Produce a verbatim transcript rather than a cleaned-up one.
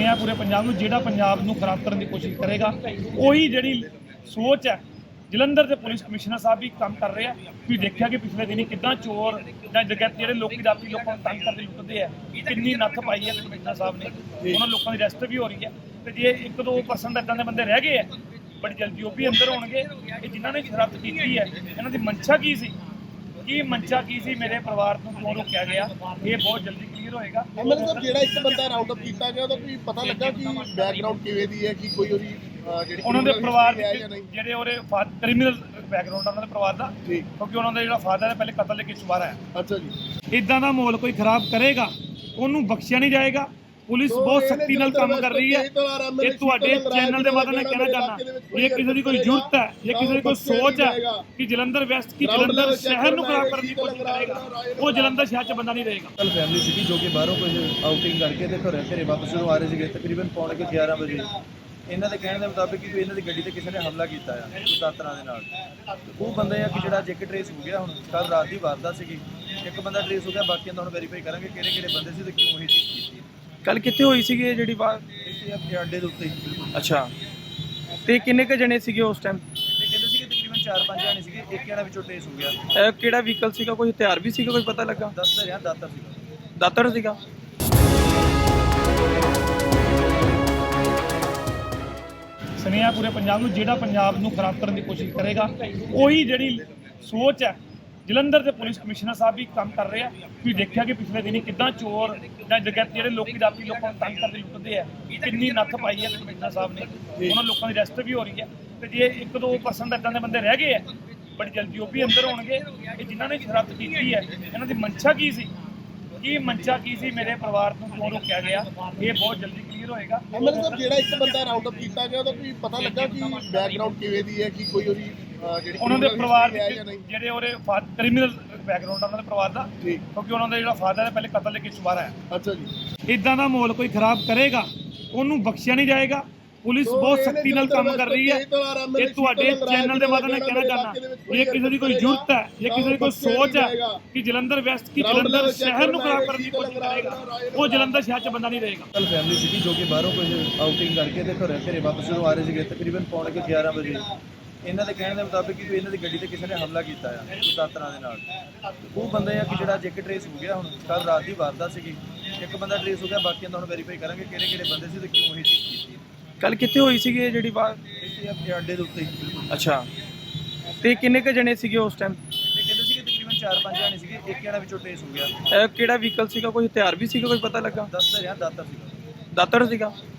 ਸੁਨੇਹਾ ਪੂਰੇ ਪੰਜਾਬ ਨੂੰ, ਜਿਹੜਾ ਪੰਜਾਬ ਨੂੰ ਖਰਾਬ ਕਰਨ ਦੀ ਕੋਸ਼ਿਸ਼ ਕਰੇਗਾ ਉਹੀ ਜਿਹੜੀ ਸੋਚ ਹੈ ਜਲੰਧਰ ਦੇ ਪੁਲਿਸ ਕਮਿਸ਼ਨਰ ਸਾਹਿਬ ਵੀ ਕੰਮ ਕਰ ਰਹੇ ਆ। ਤੁਸੀਂ ਦੇਖਿਆ ਕਿ ਪਿਛਲੇ ਦਿਨੀ ਕਿੱਦਾਂ ਚੋਰ ਜਾਂ ਜਗਤ ਜਿਹੜੇ ਲੋਕੀ ਰਾਤੀ ਲੋਕਾਂ ਨੂੰ ਤੰਗ ਕਰਦੇ ਲੁੱਟਦੇ ਆ, ਕਿੰਨੀ ਨੱਥ ਪਾਈ ਹੈ ਕਮਿਸ਼ਨਰ ਸਾਹਿਬ ਨੇ। ਉਹਨਾਂ ਲੋਕਾਂ ਦੀ ਅਰੈਸਟ ਵੀ ਹੋ ਰਹੀ ਹੈ ਤੇ ਜੇ ਇੱਕ ਦੋ ਪਰਸੈਂਟ ਇੱਦਾਂ ਦੇ ਬੰਦੇ ਰਹਿ ਗਏ ਆ ਬੜੀ ਜਲਦੀ ਉਹ ਵੀ ਅੰਦਰ ਹੋਣਗੇ। ਇਹ ਜਿਨ੍ਹਾਂ ਨੇ ਸ਼ਰਾਰਤ ਕੀਤੀ ਹੈ ਇਹਨਾਂ ਦੀ ਮਨਸ਼ਾ ਕੀ ਸੀ, ਕੀ ਮਨਸ਼ਾ ਕੀ ਸੀ, ਮੇਰੇ ਪਰਿਵਾਰ ਨੂੰ ਕਿਉਂ ਰੋਕਿਆ ਗਿਆ, ਇਹ ਬਹੁਤ ਜਲਦੀ ਕਲੀਅਰ ਹੋਏਗਾ। ਐਮਐਲਏ ਸਾਹਿਬ, ਜਿਹੜਾ ਇੱਕ ਬੰਦਾ ਰਾਉਂਡ ਅਪ ਕੀਤਾ ਗਿਆ ਉਹਦਾ ਕੋਈ ਪਤਾ ਲੱਗਾ ਕਿ ਬੈਕਗ੍ਰਾਉਂਡ ਕਿਵੇਂ ਦੀ ਹੈ, ਕਿ ਕੋਈ ਉਹਦੀ ਜਿਹੜੀ ਉਹਨਾਂ ਦੇ ਪਰਿਵਾਰ ਦੇ ਜਾਂ ਨਹੀਂ? ਜਿਹੜੇ ਉਹਦੇ ਕ੍ਰਿਮੀਨਲ ਬੈਕਗ੍ਰਾਉਂਡ ਉਹਨਾਂ ਦੇ ਪਰਿਵਾਰ ਦਾ, ਕਿਉਂਕਿ ਉਹਨਾਂ ਦਾ ਜਿਹੜਾ ਫਾਦਰ ਹੈ ਪਹਿਲੇ ਕਤਲ ਦੇ ਕੇਸ ਵਾਰਾ ਹੈ। ਅੱਛਾ ਜੀ। ਇਦਾਂ ਦਾ ਮਾਹੌਲ ਕੋਈ ਖਰਾਬ ਕਰੇਗਾ ਉਹਨੂੰ ਬਖਸ਼ਿਆ ਨਹੀਂ ਜਾਏਗਾ। ਪੁਲਿਸ ਬਹੁਤ ਸਖਤੀ ਨਾਲ ਕੰਮ ਕਰ ਰਹੀ ਹੈ। ਇਹ ਤੁਹਾਡੇ ਚੈਨਲ ਦੇ ਮਾਧਿਅਮ ਨਾਲ ਕਹਿਣਾ ਚਾਹੁੰਦਾ, ਇਹ ਕਿਸੇ ਦੀ ਕੋਈ ਜ਼ਰੂਰਤ ਹੈ, ਇਹ ਕਿਸੇ ਦੀ ਕੋਈ ਸੋਚ ਹੈ ਕਿ ਜਲੰਧਰ ਵੈਸਟ ਕੀ ਜਲੰਧਰ ਸ਼ਹਿਰ ਨੂੰ ਖਰਾਬ ਕਰਨ ਦੀ ਕੋਸ਼ਿਸ਼ ਕਰੇਗਾ, ਉਹ ਜਲੰਧਰ ਸ਼ਹਿਰ 'ਚ ਬੰਦਾ ਨਹੀਂ ਰਹੇਗਾ। ਕੱਲ ਫੈਮਿਲੀ ਸੀਗੀ ਜੋ ਕਿ ਬਾਹਰੋਂ ਕੁਝ ਆਊਟਿੰਗ ਕਰਕੇ ਤੇ ਘਰੇ ਘਰੇ ਵਾਪਸ ਜਦੋਂ ਆ ਰਹੇ ਸੀਗੇ ਤਕਰੀਬਨ ਪੌਣੇ ਕੁ ਗਿਆਰਾਂ ਵਜੇ। ਇਹਨਾਂ ਦੇ ਕਹਿਣ ਦੇ ਮੁਤਾਬਿਕ ਕਿ ਇਹਨਾਂ ਦੀ ਗੱਡੀ ਤੇ ਕਿਸੇ ਨੇ ਹਮਲਾ ਕੀਤਾ ਆ ਦਾਤਰਾਂ ਦੇ ਨਾਲ। ਉਹ ਬੰਦੇ ਆ ਕਿ ਜਿਹੜਾ ਅੱਜ ਇੱਕ ਟਰੇਸ ਹੋ ਗਿਆ, ਹੁਣ ਕੱਲ ਰਾਤ ਦੀ ਵਾਰਦਾਤ ਸੀਗੀ, ਇੱਕ ਬੰਦਾ ਟਰੇਸ ਹੋ ਗਿਆ, ਬਾਕੀਆਂ ਦਾ ਹੁਣ ਵੈਰੀਫਾਈ ਕਰਾਂਗੇ ਕਿਹੜੇ ਕਿਹੜੇ ਬੰਦੇ ਸੀ ਤੇ ਕਿਉਂ ਇਹ ਚੀਜ਼ ਕੀਤੀ। ਕੱਲ ਕਿੱਥੇ ਹੋਈ ਸੀਗੀ ਇਹ ਜਿਹੜੀ ਬਾਤ? ਇੱਥੇ ਆਪਣੇ ਅੱਡੇ ਦੇ ਉੱਤੇ ਅੱਛਾ, ਤੇ ਕਿੰਨੇ ਕੁ ਜਣੇ ਸੀਗੇ ਉਸ ਟਾਈਮ? ਤੇ ਕਹਿੰਦੇ ਸੀਗੇ ਤਕਰੀਬਨ ਚਾਰ ਪੰਜ ਜਾਣੇ ਸੀਗੇ, ਇੱਕ ਜਣਾ ਵਿੱਚੋਂ ਟਰੇਸ ਹੋ ਗਿਆ। ਕਿਹੜਾ ਵਹੀਕਲ ਸੀਗਾ, ਕੋਈ ਹਥਿਆਰ ਵੀ ਸੀਗਾ, ਕੋਈ ਪਤਾ ਲੱਗਾ? ਦੱਸ ਰਿਹਾ ਦਾਤਰ ਸੀਗਾ। ਦਾਤਰ ਸੀਗਾ। ਸੁਨੇਹਾ ਪੂਰੇ ਪੰਜਾਬ ਨੂੰ, ਜਿਹੜਾ ਪੰਜਾਬ ਨੂੰ ਖਰਾਬ ਕਰਨ ਦੀ ਕੋਸ਼ਿਸ਼ ਕਰੇਗਾ ਉਹੀ ਜਿਹੜੀ ਸੋਚ ਹੈ ਜਲੰਧਰ ਦੇ ਪੁਲਿਸ ਕਮਿਸ਼ਨਰ ਸਾਹਿਬ ਵੀ ਕੰਮ ਕਰ ਰਹੇ ਆ। ਤੁਸੀਂ ਦੇਖਿਆ ਕਿ ਪਿਛਲੇ ਦਿਨੀ ਕਿੱਦਾਂ ਚੋਰ ਜਾਂ ਜਗਤ ਜਿਹੜੇ ਲੋਕੀ ਰਾਤੀ ਲੋਕਾਂ ਨੂੰ ਤੰਗ ਕਰਦੇ ਲੁੱਟਦੇ ਆ, ਕਿੰਨੀ ਨੱਥ ਪਾਈ ਹੈ ਕਮਿਸ਼ਨਰ ਸਾਹਿਬ ਨੇ। ਉਹਨਾਂ ਲੋਕਾਂ ਦੀ ਅਰੈਸਟ ਵੀ ਹੋ ਰਹੀ ਹੈ ਤੇ ਜੇ ਇੱਕ ਦੋ ਪਰਸੈਂਟ ਇੱਦਾਂ ਦੇ ਬੰਦੇ ਰਹਿ ਗਏ ਆ ਬੜੀ ਜਲਦੀ ਉਹ ਵੀ ਅੰਦਰ ਹੋਣਗੇ। ਇਹ ਜਿਨ੍ਹਾਂ ਨੇ ਸ਼ਰਾਰਤ ਕੀਤੀ ਹੈ ਇਹਨਾਂ ਦੀ ਮਨਸ਼ਾ ਕੀ ਸੀ, ਕੀ ਮਨਸ਼ਾ ਕੀ ਸੀ, ਮੇਰੇ ਪਰਿਵਾਰ ਨੂੰ ਕਿਉਂ ਰੋਕਿਆ ਗਿਆ, ਇਹ ਬਹੁਤ ਜਲਦੀ ਕਲੀਅਰ ਹੋਏਗਾ। ਐਮਐਲਏ ਸਾਹਿਬ, ਜਿਹੜਾ ਇੱਕ ਬੰਦਾ ਰਾਉਂਡ ਅਪ ਕੀਤਾ ਗਿਆ ਉਹਦਾ ਕੋਈ ਪਤਾ ਲੱਗਾ ਕਿ ਬੈਕਗ੍ਰਾਉਂਡ ਕਿਵੇਂ ਦੀ ਹੈ, ਕਿ ਕੋਈ ਉਹਦੀ ਜਿਹੜੀ ਉਹਨਾਂ ਦੇ ਪਰਿਵਾਰ ਦੇ ਜਾਂ ਨਹੀਂ? ਜਿਹੜੇ ਉਹਦੇ ਕ੍ਰਿਮੀਨਲ ਬੈਕਗ੍ਰਾਉਂਡ ਉਹਨਾਂ ਦੇ ਪਰਿਵਾਰ ਦਾ, ਕਿਉਂਕਿ ਉਹਨਾਂ ਦਾ ਜਿਹੜਾ ਫਾਦਰ ਹੈ ਪਹਿਲੇ ਕਤਲ ਦੇ ਕੇਸ ਵਾਰਾ ਹੈ। ਅੱਛਾ ਜੀ। ਇਦਾਂ ਦਾ ਮਾਹੌਲ ਕੋਈ ਖਰਾਬ ਕਰੇਗਾ ਉਹਨੂੰ ਬਖਸ਼ਿਆ ਨਹੀਂ ਜਾਏਗਾ। ਪੁਲਿਸ ਬਹੁਤ ਸਖਤੀ ਨਾਲ ਕੰਮ ਕਰ ਰਹੀ ਹੈ। ਇਹ ਤੁਹਾਡੇ ਚੈਨਲ ਦੇ ਮਾਧਿਅਮ ਨਾਲ ਕਹਿਣਾ ਚਾਹੁੰਦਾ, ਇਹ ਕਿਸੇ ਦੀ ਕੋਈ ਜ਼ਰੂਰਤ ਹੈ, ਇਹ ਕਿਸੇ ਦੀ ਕੋਈ ਸੋਚ ਹੈ ਕਿ ਜਲੰਧਰ ਵੈਸਟ ਕੀ ਜਲੰਧਰ ਸ਼ਹਿਰ ਨੂੰ ਖਰਾਬ ਕਰਨ ਦੀ ਕੋਸ਼ਿਸ਼ ਕਰੇਗਾ, ਉਹ ਜਲੰਧਰ ਸ਼ਹਿਰ 'ਚ ਬੰਦਾ ਨਹੀਂ ਰਹੇਗਾ। ਕੱਲ ਫੈਮਿਲੀ ਸੀਗੀ ਜੋ ਕਿ ਬਾਹਰੋਂ ਕੁਝ ਆਊਟਿੰਗ ਕਰਕੇ ਤੇ ਘਰੇ ਘਰੇ ਵਾਪਸ ਜਦੋਂ ਆ ਰਹੇ ਸੀਗੇ ਤਕਰੀਬਨ ਪੌਣੇ ਕੁ ਗਿਆਰਾਂ ਵਜੇ। ਇਹਨਾਂ ਦੇ ਕਹਿਣ ਦੇ ਮੁਤਾਬਿਕ ਕਿ ਇਹਨਾਂ ਦੀ ਗੱਡੀ ਤੇ ਕਿਸੇ ਨੇ ਹਮਲਾ ਕੀਤਾ ਆ ਦਾਤਰਾਂ ਦੇ ਨਾਲ। ਉਹ ਬੰਦੇ ਆ ਕਿ ਜਿਹੜਾ ਅੱਜ ਇੱਕ ਟਰੇਸ ਹੋ ਗਿਆ, ਹੁਣ ਕੱਲ ਰਾਤ ਦੀ ਵਾਰਦਾਤ ਸੀਗੀ, ਇੱਕ ਬੰਦਾ ਟਰੇਸ ਹੋ ਗਿਆ, ਬਾਕੀਆਂ ਦਾ ਹੁਣ ਵੈਰੀਫਾਈ ਕਰਾਂਗੇ ਕਿਹੜੇ ਕਿਹੜੇ ਬੰਦੇ ਸੀ ਤੇ ਕਿਉਂ ਇਹ ਚੀਜ਼ ਕੀਤੀ। ਕੱਲ ਕਿੱਥੇ ਹੋਈ ਸੀਗੀ ਇਹ ਜਿਹੜੀ ਬਾਤ? ਇੱਥੇ ਆਪਣੇ ਅੱਡੇ ਦੇ ਉੱਤੇ ਅੱਛਾ, ਤੇ ਕਿੰਨੇ ਕੁ ਜਣੇ ਸੀਗੇ ਉਸ ਟਾਈਮ? ਤੇ ਕਹਿੰਦੇ ਸੀਗੇ ਤਕਰੀਬਨ ਚਾਰ ਪੰਜ ਜਾਣੇ ਸੀਗੇ, ਇੱਕ ਜਣਾ ਵਿੱਚੋਂ ਟਰੇਸ ਹੋ ਗਿਆ। ਕਿਹੜਾ ਵਹੀਕਲ ਸੀਗਾ, ਕੋਈ ਹਥਿਆਰ ਵੀ ਸੀਗਾ, ਕੋਈ ਪਤਾ ਲੱਗਾ? ਦੱਸ ਰਿਹਾ ਦਾਤਰ ਸੀਗਾ। ਦਾਤਰ ਸੀਗਾ।